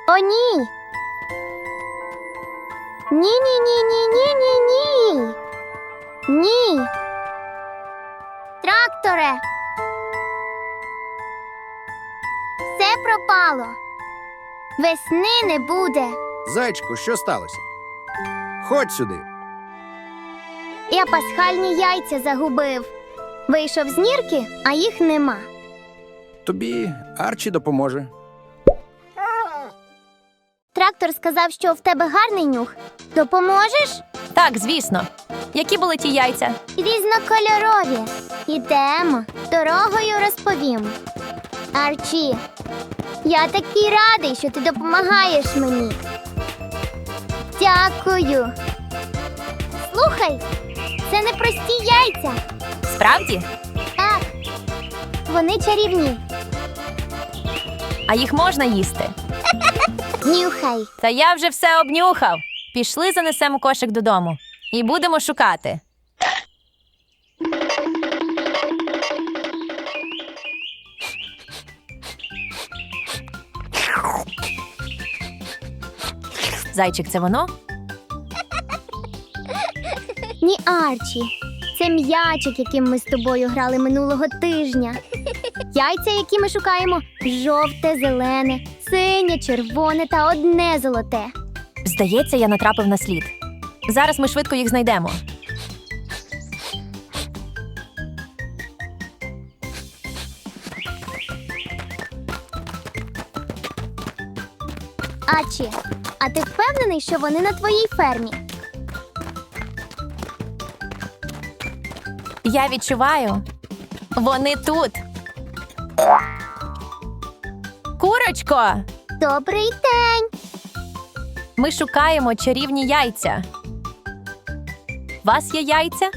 О, ні! Ні-ні-ні-ні-ні-ні-ні! Ні! Тракторе! Все пропало! Весни не буде! Зайчику, що сталося? Ходь сюди. Я пасхальні яйця загубив. Вийшов з нірки, а їх нема. Тобі Арчі допоможе. Трактор сказав, що в тебе гарний нюх. Допоможеш? Так, звісно. Які були ті яйця? Різнокольорові. Ідемо. Дорогою розповім. Арчі, я такий радий, що ти допомагаєш мені. Дякую. Слухай, це не прості яйця. Справді? Так, вони чарівні. А їх можна їсти? Нюхай. Та я вже все обнюхав. Пішли, занесемо кошик додому. І будемо шукати. Зайчик, це воно? Ні, Арчі. Це м'ячик, яким ми з тобою грали минулого тижня. Яйця, які ми шукаємо, жовте, зелене, синє, червоне та одне золоте. Здається, я натрапив на слід. Зараз ми швидко їх знайдемо. Арчі, а ти впевнений, що вони на твоїй фермі? Я відчуваю. Вони тут. Курочко! Добрий день! Ми шукаємо чарівні яйця. Вас є яйця?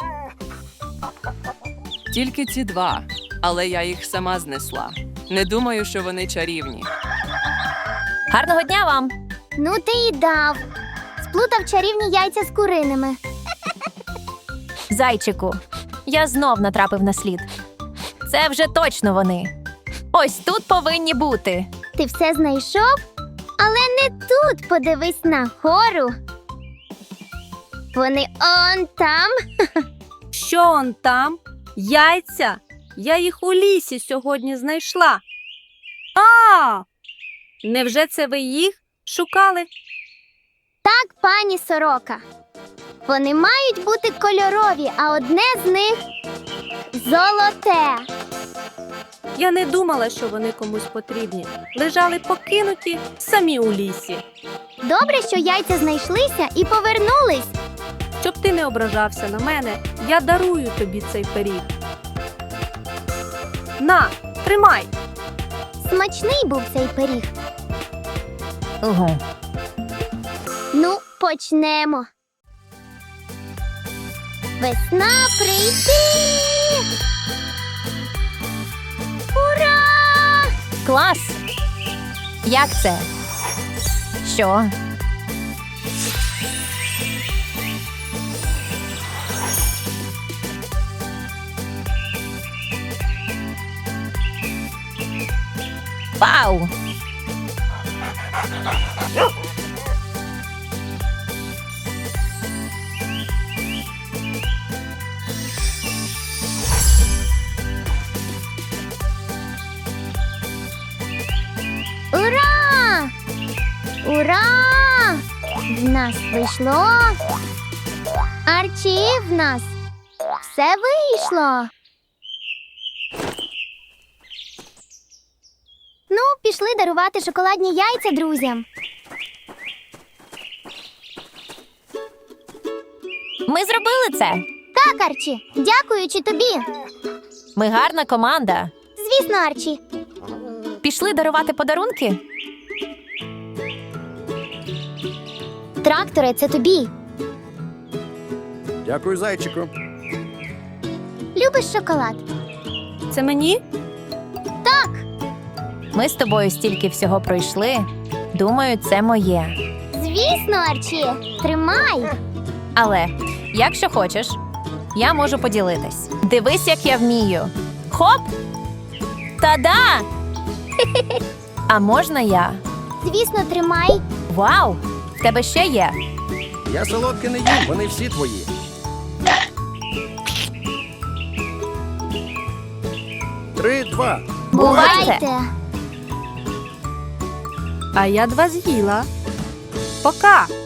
Тільки ці два, але я їх сама знесла. Не думаю, що вони чарівні. Гарного дня вам! Ну ти і дав. Сплутав чарівні яйця з куриними. Зайчику, я знов натрапив на слід. Це вже точно вони. Ось тут повинні бути. Ти все знайшов? Але не тут, подивись на гору. Вони он там. Що он там? Яйця? Я їх у лісі сьогодні знайшла. А! Невже це ви їх шукали? Так, пані сорока. Вони мають бути кольорові, а одне з них золоте. Я не думала, що вони комусь потрібні. Лежали покинуті самі у лісі. Добре, що яйця знайшлися і повернулись. Щоб ти не ображався на мене, я дарую тобі цей пиріг. На, тримай! Смачний був цей пиріг. Угу. Ну, почнемо. Весна прийти! Ура! Клас! Як це? Що? Вау! Ура! Ура! В нас вийшло. Арчі, в нас все вийшло. Ну, пішли дарувати шоколадні яйця друзям. Ми зробили це! Так, Арчі, дякуючи тобі. Ми гарна команда. Звісно, Арчі. Пішли дарувати подарунки? Трактори, це тобі. Дякую, зайчику. Любиш шоколад? Це мені? Так. Ми з тобою стільки всього пройшли. Думаю, це моє. Звісно, Арчі. Тримай. Але, якщо хочеш, я можу поділитись. Дивись, як я вмію. Хоп! Та-да! А можна я? Звісно, тримай. Вау! В тебе ще є. Я солодке не їм, вони всі твої. Три, два. Бувайте. А я 2 з'їла. Пока.